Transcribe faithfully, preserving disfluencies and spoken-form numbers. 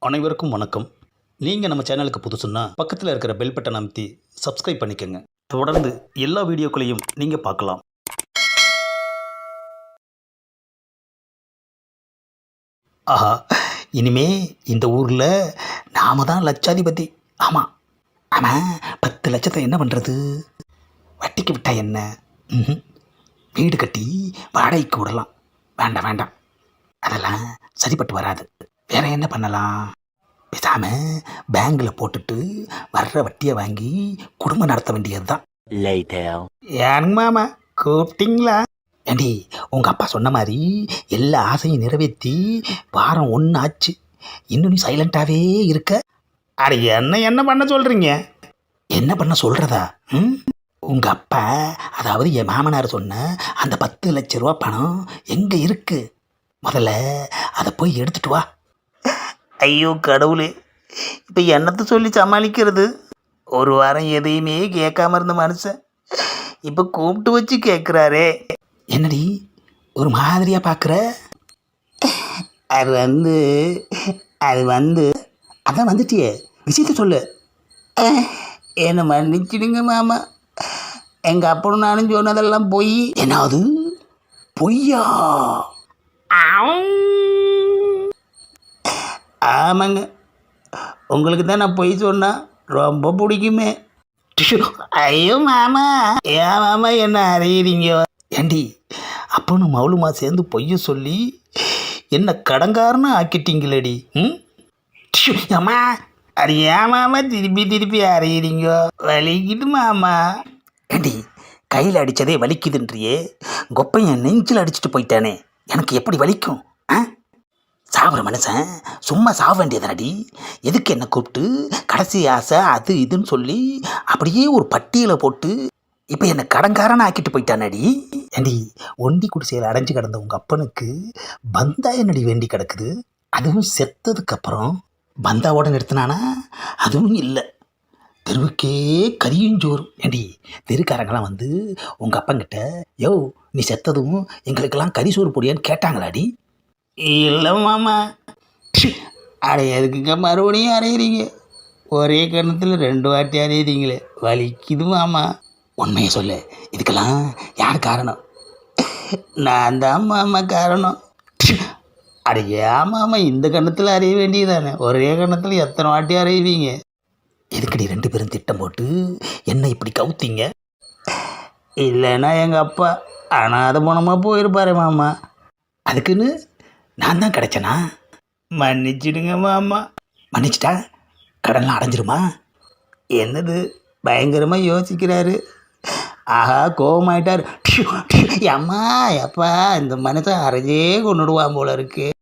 அனைவருக்கும் வணக்கம். நீங்கள் நம்ம சேனலுக்கு புதுசுன்னா பக்கத்தில் இருக்கிற பெல் பட்டன் அமைத்தி சப்ஸ்கிரைப் பண்ணிக்கோங்க. தொடர்ந்து எல்லா வீடியோக்களையும் நீங்கள் பார்க்கலாம். ஆஹா, இனிமே இந்த ஊரில் நாம தான் லட்சாதிபதி. ஆமாம் ஆமாம், பத்து லட்சத்தை என்ன பண்ணுறது? வட்டிக்கு விட்டா என்ன? ம்ஹும். வீடு கட்டி வாடகைக்கு விடலாம். வேண்டாம் வேண்டாம், அதெல்லாம் சரிப்பட்டு வராது. வேற என்ன பண்ணலாம்? பேசாம பேங்கில் போட்டுட்டு வர்ற வட்டியை வாங்கி குடும்பம் நடத்த வேண்டியது தான். ஏங்க மாமா கூப்பிட்டீங்களா? ஏண்டி, உங்கள் அப்பா சொன்ன மாதிரி எல்லா ஆசையும் நிறைவேற்றி வாரம் ஒன்று ஆச்சு. இன்னும் நீ சைலண்ட்டாகவே இருக்க. அட என்ன என்ன பண்ண சொல்கிறீங்க? என்ன பண்ண சொல்கிறதா? ம் உங்கள் அப்பா, அதாவது என் மாமனார் சொன்ன அந்த பத்து லட்ச ரூபா பணம் எங்கே இருக்கு? முதல்ல அதை போய் எடுத்துட்டு வா. ஐயோ கடவுளே, இப்போ என்னத்தை சொல்லி சமாளிக்கிறது? ஒரு வாரம் எதையுமே கேட்காம இருந்த மனுஷன் இப்போ கூப்பிட்டு வச்சு கேட்குறாரே. என்னடி ஒரு மாதிரியா பார்க்குற? அது வந்து அது வந்து அதான் வந்துட்டியே, விஷயத்த சொல்லு. என்னை மன்னிச்சிடுங்க மாமா, எங்கள் அப்பனும் நானும் சொன்னதெல்லாம் பொய். என்னது பொய்யா? ஆமாங்க, உங்களுக்கு தான் நான் பொய் சொன்னா ரொம்ப பிடிக்குமே. ஐயோ மாமா, ஏன் மாமா என்ன அறியறீங்க? ஏண்டி, அப்பனும் மவுளுமா சேர்ந்து பொய்ய சொல்லி என்ன கடங்காரன்னு ஆக்கிட்டீங்களேடி. ம் அம்மா, அது ஏன் மாமா திருப்பி திருப்பி அறியறீங்க? வலிக்குது மாமா. ஏண்டி, கையில் அடித்ததே வலிக்குதுன்றியே, கொப்பையன் நெஞ்சில் அடிச்சுட்டு போயிட்டானே, எனக்கு எப்படி வலிக்கும்? ஆ சாப்பிட்ற மனுஷன் சும்மா சாக வேண்டியதானடி. எதுக்கு என்ன கூப்பிட்டு கடைசி ஆசை அது இதுன்னு சொல்லி அப்படியே ஒரு பட்டியலை போட்டு இப்போ என்னை கடங்காரனை ஆக்கிட்டு போயிட்டானடி. ஏண்டி, ஒண்டி குடிசையில் அடைஞ்சு கிடந்த உங்கள் அப்பனுக்கு பந்தா என்னடி வேண்டி கிடக்குது? அதுவும் செத்ததுக்கப்புறம் பந்தாவோட நிறுத்தினானா? அதுவும் இல்லை, தெருவுக்கே கரியும் ஜோறும். ஏண்டி, தெருக்காரங்களாம் வந்து உங்கள் அப்பங்கிட்ட, யோ நீ செத்ததும் எங்களுக்கெல்லாம் கறி சோறு பொடியான்னு கேட்டாங்களாடி? இல்லை மாமா. அட எதுக்குங்க மறுபடியும் அறையிறீங்க? ஒரே கணத்தில் ரெண்டு வாட்டி அறையிறீங்களே, வலிக்குது மாமா. உண்மையை சொல்லு, இதுக்கெல்லாம் யார் காரணம்? நான் தான் மாமா காரணம். அட ஏன் மாமா இந்த கணத்தில் அறைய வேண்டியதானே, ஒரே கணத்தில் எத்தனை வாட்டி அறையுவீங்க? எதுக்கடி ரெண்டு பேரும் திட்டம் போட்டு என்ன இப்படி கவுத்தீங்க? இல்லைன்னா எங்கள் அப்பா அனாதை போனமாக போயிருப்பாரு மாமா. அதுக்குன்னு நான் தான் கிடைச்சனா? மன்னிச்சிடுங்க மாமா. மன்னிச்சிட்டா கடன்லாம் அடைஞ்சிருமா? என்னது பயங்கரமாக யோசிக்கிறாரு. ஆஹா, கோபமாயிட்டார். அம்மா எப்பா, இந்த மனுஷன் அரைஞ்சே கொண்டுடுவான் போல இருக்கு.